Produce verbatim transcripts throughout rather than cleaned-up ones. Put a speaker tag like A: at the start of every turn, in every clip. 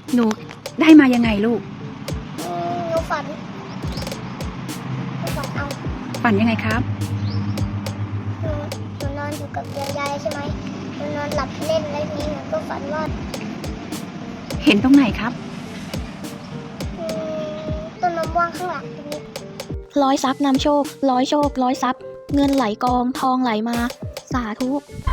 A: หนูได้มายังไงลูก
B: อืมหนูฝันหนูฝันเอา
A: ฝันยังไงครับ
B: หนูหนูนอนอยู่กับเตียงยายใช่ไหมหนูนอนหลับเล่นแล้วทีนี้หนูก็ฝันว่า
A: เห็นตรงไหนครับ
B: อืมต้นมะม่วงข้างหลังตรงนี้
C: ร้อยทรัพย์นำโชคร้อยโชคร้อยทรัพย์เงินไหลกองทองไหลมาสาธุ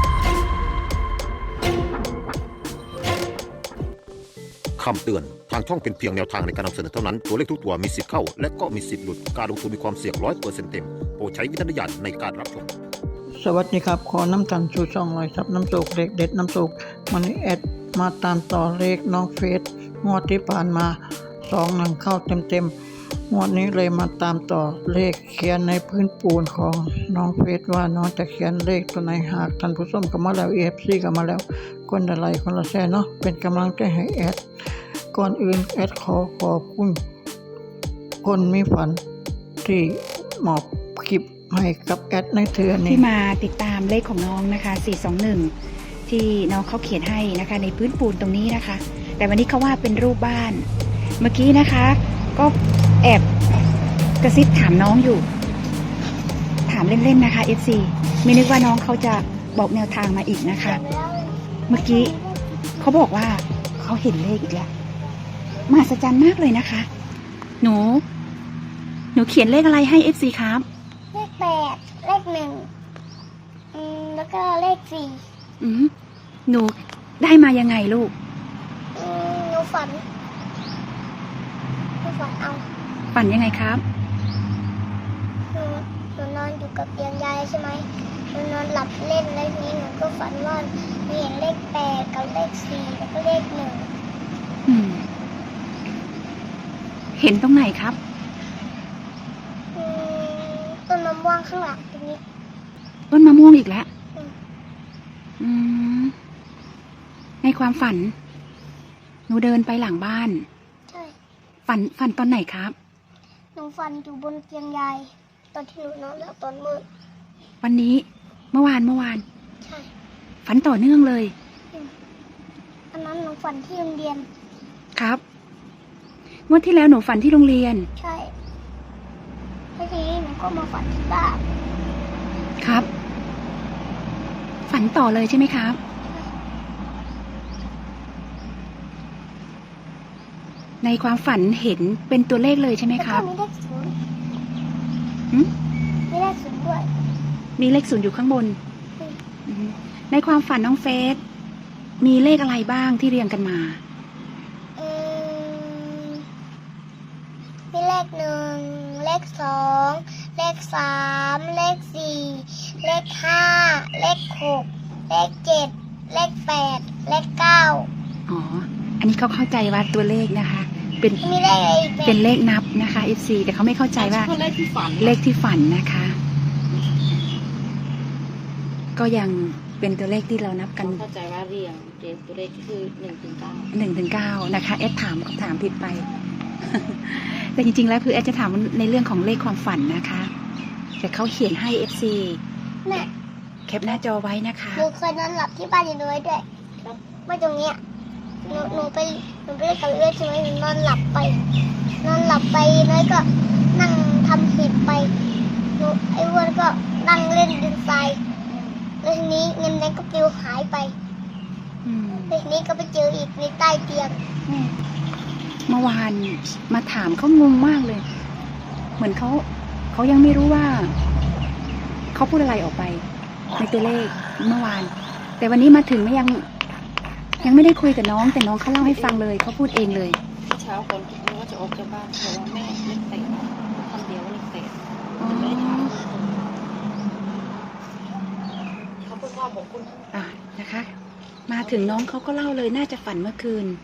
D: คำเตือนทางช่องเป็นเพียงแนวทางในการนำเสนอเท่านั้นตัวเลขทุกตัวมีสิทธิ์เข้าและก็มีสิทธิ์หลุดการลงทุนมีความเสี่ยงร้อยเปอร์เซ็นต์เต็มโปรดใช้วิจารณญาณในการรับชม
E: สวัสดีครับขอน้ำตันชูช่องลอยซับน้ำตกเด็กเด็ดน้ำตกวันนี้แอดมาตามต่อเลขน้องเฟสงวดที่ผ่านมาสองหนังเข้าเต็มเต็มงวดนี้เลยมาตามต่อเลขเขียนในพื้นปูนของน้องเฟสว่าน้องจะเขียนเลขตัวไหนหากท่านผู้ชมก็มาแล้วเอฟซีก็มาแล้วคนละไลค์คนละแชร์เนาะเป็นกำลังใจให้แอดก่อนอื่นแอดขอขอบคุณคนมีฝันที่มอบคลิปให้กับแอดในเทือนี้
A: ที่มาติดตามเลขของน้องนะคะสี่สองหนึ่งที่น้องเขาเขียนให้นะคะในพื้นปูนตรงนี้นะคะแต่วันนี้เขาว่าเป็นรูปบ้านเมื่อกี้นะคะก็แอบกระซิบถามน้องอยู่ถามเล่นๆนะคะ เอฟ ซี ไม่นึกว่าน้องเขาจะบอกแนวทางมาอีกนะคะเมื่อกี้เขาบอกว่าเขาเห็นเลขอีกแล้วมหัศจรรย์มากเลยนะคะหนูหนูเขียนเลขอะไรให้ เอฟ ซี ครับ
B: เลขแปดเลขหนึ่งอืมแล้วก็เลขสี่
A: อืมหนูได้มายังไงลูก
B: อืมหนูฝันหนูฝันเอา
A: ฝันยังไงครับ
B: หนูหนูนอนอยู่กับเตียงยายใช่ไหมหนูนอนหลับเล่นแล้วทีนี้หนูก็ฝันว่าหนูเห็นเลขแปดกับเลขสี่แล้วก็เลขหนึ่ง
A: อืมเห็นตรงไหนครับ
B: อืมต้นมะม่วงข้างหลังตรงนี้
A: ต้นมะม่วงอีกแล้วอืมในความฝันหนูเดินไปหลังบ้าน
B: ใช่
A: ฝันฝันตอนไหนครับ
B: หนูฝันอยู่บนเตียงยายตอนที่หนูนอนแล้วตอนมืด
A: วันนี้เมื่อวานเมื่อวาน
B: ใช่
A: ฝันต่อเนื่องเลย
B: อันนั้นหนูฝันที่โรงเรียน
A: ครับงวดที่แล้วหนูฝันที่โรงเรียน
B: ใช่แล้วทีนี้หนูก็มาฝันที่บ้าน
A: ครับฝันต่อเลยใช่ไหมครับในความฝันเห็นเป็นตัวเลขเลยใช่ไหมครับ
B: แล้วก็มีเลขศูนย์
A: หืม
B: มีเลขศูนย์ด้วย
A: มีเลขศูนย์อยู่ข้างบนในความฝันน้องเฟสมีเลขอะไรบ้างที่เรียงกันมา
B: อืมมีเลขหนึ่งเลขสองเลขสามเลขสี่เลขห้าเลขหกเลขเจ็ดเลขแปดเลขเก้า
A: อ๋ออันนี้เขาเข้าใจว่าตัวเลขนะคะเป็น
B: มีเลขอะไรอีก
A: เป็นเลขนับนะคะ เอฟ ซี แต่เขาไม่เข้าใจว่าเลขที่ฝันเลขที่ฝันนะคะก็ยังเป็นตัวเลขที่เรานับกัน
F: เข้าใจว่าเรียงเรียงตัวเลขคือหนึ่งถึงเก้า
A: หนึ่งถึงเก้านะคะเอสถามคำถามผิดไป แต่จริงๆแล้วคือเอสจะถามในเรื่องของเลขความฝันนะคะแต่เขาเขียนให้ เอฟ ซี
B: เนี่ย
A: แคปหน้าจอไว้นะคะ
B: หนูเคยนอนหลับที่บ้านอยู่ด้วยด้วยว่าตรงเนี้ยหนูหนูไปหนูไปเล่นกับเลือดใช่ไหมหนูนอนหลับไปนอนหลับไปน้อยก็นั่งทำผิดไปหนูไอ้อ้วนก็นั่งเล่นดินทรายแล้วทีนี้เงินแดงก็ปลิวหายไปแล้วทีนี้ก็ไปเจออีกในใต้เตียง
A: เมื่อวานมาถามเขางงมากเลยเหมือนเขาเขายังไม่รู้ว่าเขาพูดอะไรออกไปในตัวเลขเมื่อวานแต่วันนี้มาถึงไม่ยังยังไม่ได้คุยกับน้องแต่น้องเขาเล่าให้ฟังเลยเขาพูดเองเลย
F: เช้าคนคิดว่าจะออกจากบ้านเพราะว่าแม่เล็กเตะคำเดียวเล็กเตะมันไม่ได้ถามเขาพูดว่าบอกคุณ
A: อ่ะนะคะมาถึงน้องเขาก็เล่าเลยน่าจะฝันเมื่อคืน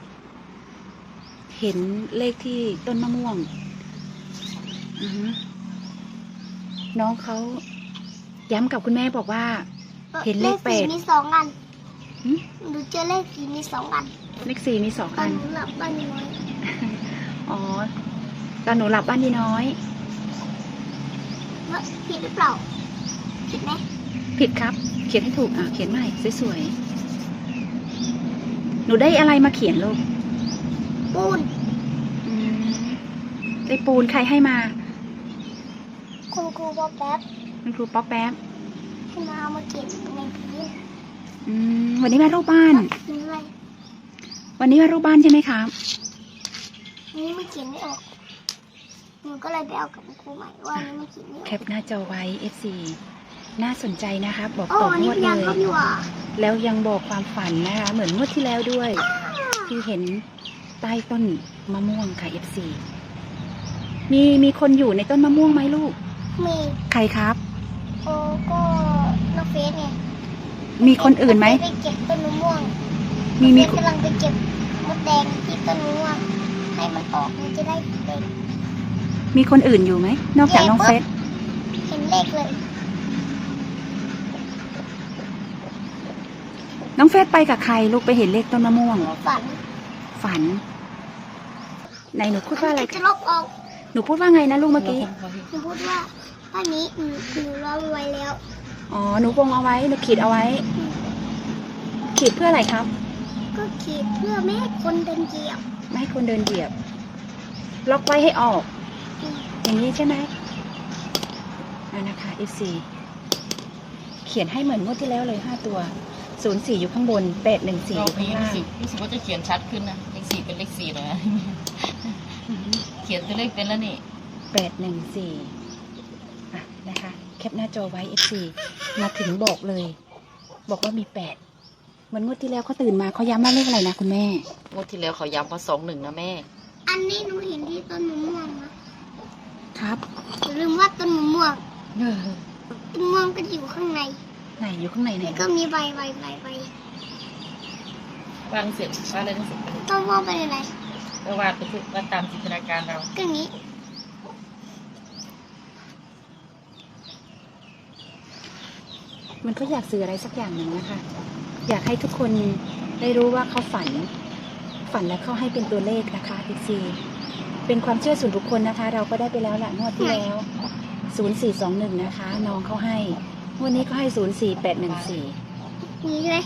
A: เห็นเลขที่ต้นมะม่วงอือน้องเขาย้ำกับคุณแม่บอกว่าเห็นเลขแปด
B: มีสองอันหนูเจอเลขสี่มีสองอัน
A: เลขสี่มีสองอัน
B: ตอนหนูหลับบ้านน้อย
A: อ๋อตอนหนูหลับบ้านดีน้อย
B: ผิดหรือเปล่าผิดไหม
A: ผิดครับเขียนให้ถูกอ่ะเขียนใหม่สวยๆหนูได้อะไรมาเขียนลูก
B: ปูน
A: อืมได้ปูนใครให้มา
B: คุณครูบอกแป๊บ
A: คุณครูป๊อกแป๊บ
B: ที่มาเอามาเก็บในพื้น
A: อืมวันนี้มารูปบ้าน
B: นี่เลย
A: วันนี้มารูปบ้านใช่ไหมครับ
B: อันนี้มันเขียนไม่ออกหนูก็เลยไปเอากับคุณครูใหม่ว่าอันนี้มันเขียนไม่ออก
A: แคปหน้าจอไว้ เอฟ ซี น่าสนใจนะคะ บอก
B: อ๋อ
A: ต่อ
B: อัน
A: ง
B: นี้
A: วด
B: พ
A: เล
B: ยาน
A: ย
B: เขาอยู่อ่ะ
A: แล้วยังบอกความฝันนะคะ เหมือนงวดที่แล้วด้วย ที่เห็นใต้ต้นมะม่วงค่ะ เอฟ ซี มีมีคนอยู่ในต้นมะม่วงไหมลูก
B: มี
A: ใครครับ
B: โอ้ก็น้องเฟสไง
A: มีคนอื่นไหม
B: ไปเก็บต้นมะม่วง
A: มีมี
B: เฟสกำลังไปเก็บมดแดงที่ต้นมะม่วงให้มันออกมันจะได้เป็น
A: มีคนอื่นอยู่ไหม นอกจากน้องเฟส
B: เห็นเลขเลย
A: น้องเฟสไปกับใครลูกไปเห็นเลขต้นมะม่วง
B: ฝัน
A: ฝันไหนหนูพูดว่าอะไร
B: จะลบออก
A: หนูพูดว่าไงนะลูกเมื่อกี้
B: หนูพูดว่าอันนี้หนูหนูรอไว้แล้ว
A: อ๋อ หนูวงเอาไว้ หนูขีดเอาไว้ ขีดเพื่ออะไรครับ
B: ก็ขีดเพื่อไม่ให้คนเดินเหยียบ
A: ไม่ให้คนเดินเหยียบ ล็อกไว้ให้ออก อย่างนี้ใช่ไหมอ่านะคะ เอฟ ซี เขียนให้เหมือนงวดที่แล้วเลยห้าตัว ศูนย์สี่อยู่ข้างบน แปดหนึ่งสี่อ
F: รอบ
A: ยู่ข้าง
F: นี้
A: ล่า
F: รู้
A: ง
F: สึกรู้สึกว่าจะเขียนชัดขึ้นนะเลขสี่เป็นเลขสี่เลยนะ เขียนตัวเลขเป็นแล้วนี่
A: แปดหนึ่งสี่อ่ะนะคะ แคปหน้าจอไว้ เอฟ ซี มาถึงบอกเลย บอกว่ามีแปดเหมือนงวดที่แล้วเขาตื่นมาเขาย้ำว่าเลขอะไรนะคุณแม่
F: งวดที่แล้วเขาย้ำว่าสองหนึ่งนะแม่
B: อันนี้หนูเห็นที่ต้นมะม่วงนะครับ อย่าลืมว่าต้นมะม่วง
A: เออ
B: ต้นมะม่วงก็อยู่ข้างใน
A: ไหนอยู่ข้างในไหน
B: แล้วก็มีใบใบใบใบ
F: วางเสร็จวาดอะไรต้องเสร็จไปเลย
B: ต้นมะม่วงเป็นอะไร
F: ก็วาดไปทุกวาดตามจินตนาการเรา
B: ก็อย่างนี้
A: มันก็อยากสื่ออะไรสักอย่างหนึ่งนะคะ อยากให้ทุกคนได้รู้ว่าเขาฝัน ฝันแล้วเขาให้เป็นตัวเลขนะคะพีซีเป็นความเชื่อส่วนบุคคลนะคะ เราก็ได้ไปแล้วละงวดที่แล้วศูนย์สี่สองหนึ่งนะคะ น้องเขาให้งวดนี้ก็ให้ศูนย์สี่แปดหนึ่งสี่
B: นี่เลย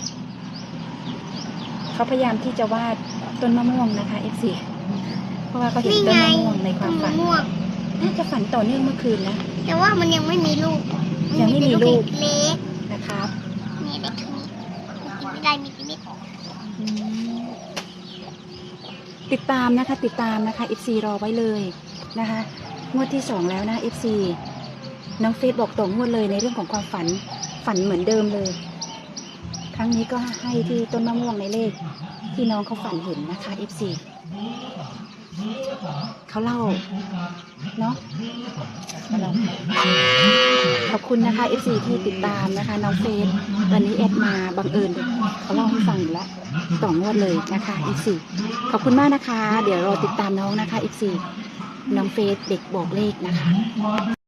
A: เขาพยายามที่จะวาดต้นมะม่วงนะคะเอฟซีเพราะว่าเขาเห็น
B: นี่
A: ต้น
B: ไง
A: มะม่วงในค
B: ต้
A: วาม
B: น
A: ฝั
B: มะ
A: น
B: ม่วง
A: น่าจะฝันต่อเนื่องเมื่อคืนนะ
B: แต่ว่ามันยังไม่มีลูก
A: ยังไม่มีลูก
B: เล็ก
A: นะครับ
B: ๆนี่เล็กนี้กินไม่ได้มีกินไม่ออก
A: อืมติดตามนะคะ ติดตามนะคะ เอฟ ซี รอไว้เลยนะคะงวดที่สองแล้วนะ เอฟ ซี น้องเฟซบอกตรงงวดเลยในเรื่องของความฝันฝันเหมือนเดิมเลย ครั้งนี้ก็ให้ที่ต้นมะม่วงในเลขที่น้องเขาฝันเห็นนะคะ เอฟ ซี เขาเล่าเนาะขอบคุณนะคะ เอฟ ซี ที่ติดตามนะคะ น้องเฟซวันนี้แอดมาบังเอิญเขาเล่าให้ฟังอยู่แล้วสองงวดเลยนะคะ เอฟ ซี ขอบคุณมากนะคะ เดี๋ยวรอติดตามน้องนะคะ เอฟ ซี น้องเฟซเด็กบอกเลขนะคะ